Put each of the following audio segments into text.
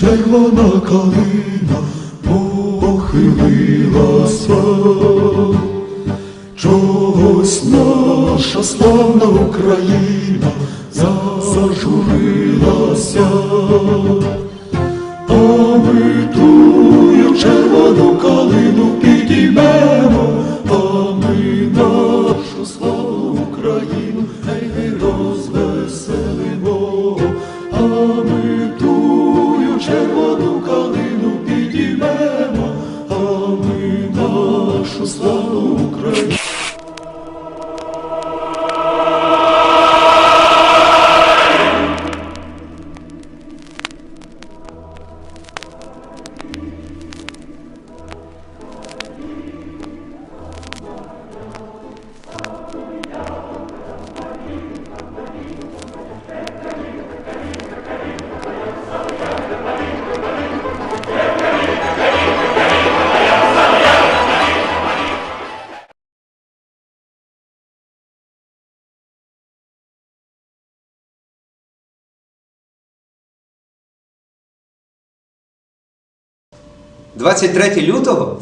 червона калина похилилася, чогось наша славна Україна зажурилася, а ми тую червону калину підіймемо, а ми нашу славну Україну гей розвеселимо, а ми тую червону калину підіймемо, а ми нашу славну Україну. – 23 лютого?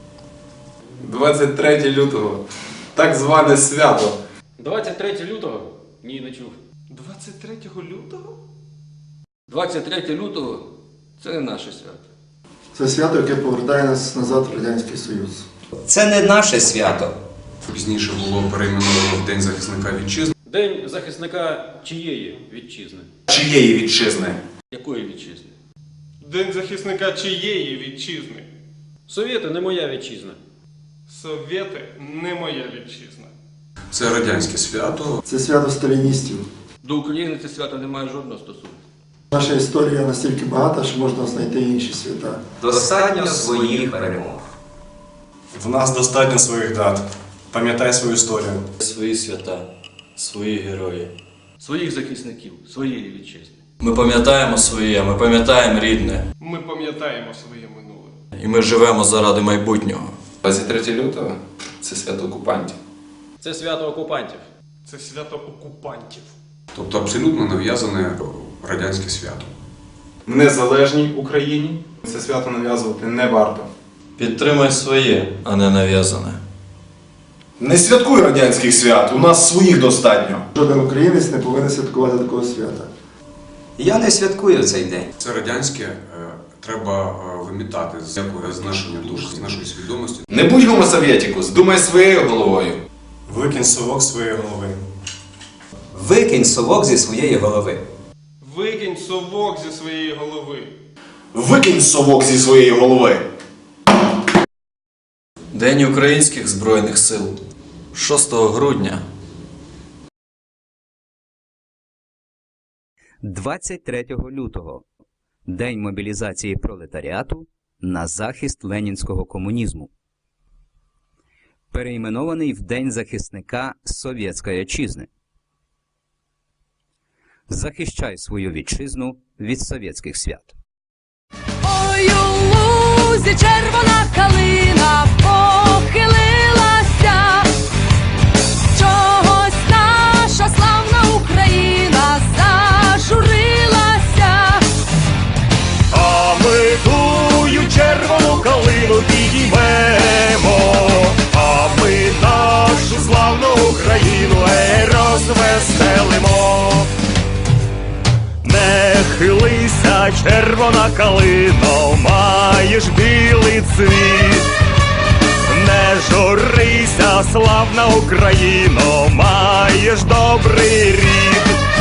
23 лютого. Так зване свято. 23 лютого? Ні, не чув. 23 лютого? 23 лютого – це не наше свято. Це свято, яке повертає нас назад в Радянський Союз. Це не наше свято. Пізніше було перейменовано в День захисника вітчизни. День захисника чиєї вітчизни? Чиєї вітчизни? Якої вітчизни? День захисника чиєї вітчизни? Совєти не моя вітчизна. Совєти не моя вітчизна. Це радянське свято. Це свято сталіністів. До України це свято не має жодного стосунку. Наша історія настільки багата, що можна знайти інші свята. Достатньо своїх перемог. В нас достатньо своїх дат. Пам'ятай свою історію. Свої свята, свої герої. Своїх захисників, своєї вітчизни. Ми пам'ятаємо своє, ми пам'ятаємо рідне. Ми пам'ятаємо своє минуле. І ми живемо заради майбутнього. 23 лютого – це свято окупантів. Це свято окупантів. Це свято окупантів. Тобто абсолютно нав'язане радянське свято. В незалежній Україні це свято нав'язувати не варто. Підтримай своє, а не нав'язане. Не святкуй радянських свят, у нас своїх достатньо. Жоден українець не повинен святкувати такого свята. Я не святкую цей день. Це радянське треба вимітати з нашої душі, з нашої свідомості. Не будь гомосовєтіку, здумай своєю головою. Викинь совок з своєї голови. Викинь совок зі своєї голови. Викинь совок зі своєї голови. Викинь совок зі своєї голови. День Українських Збройних Сил. 6 грудня. 23 лютого – День мобілізації пролетаріату на захист ленінського комунізму. Перейменований в День захисника Совєтської Отчизни. Захищай свою вітчизну від совєтських свят. Ой, у лузі червона калина похилилася, чогось наша славна Україна зажурилася. А ми тую червону калину підіймемо, а ми нашу славну Україну розвеселимо. Не хилися, червона калино, маєш білий цвіт. Не журися, славна Україно, маєш добрий рід.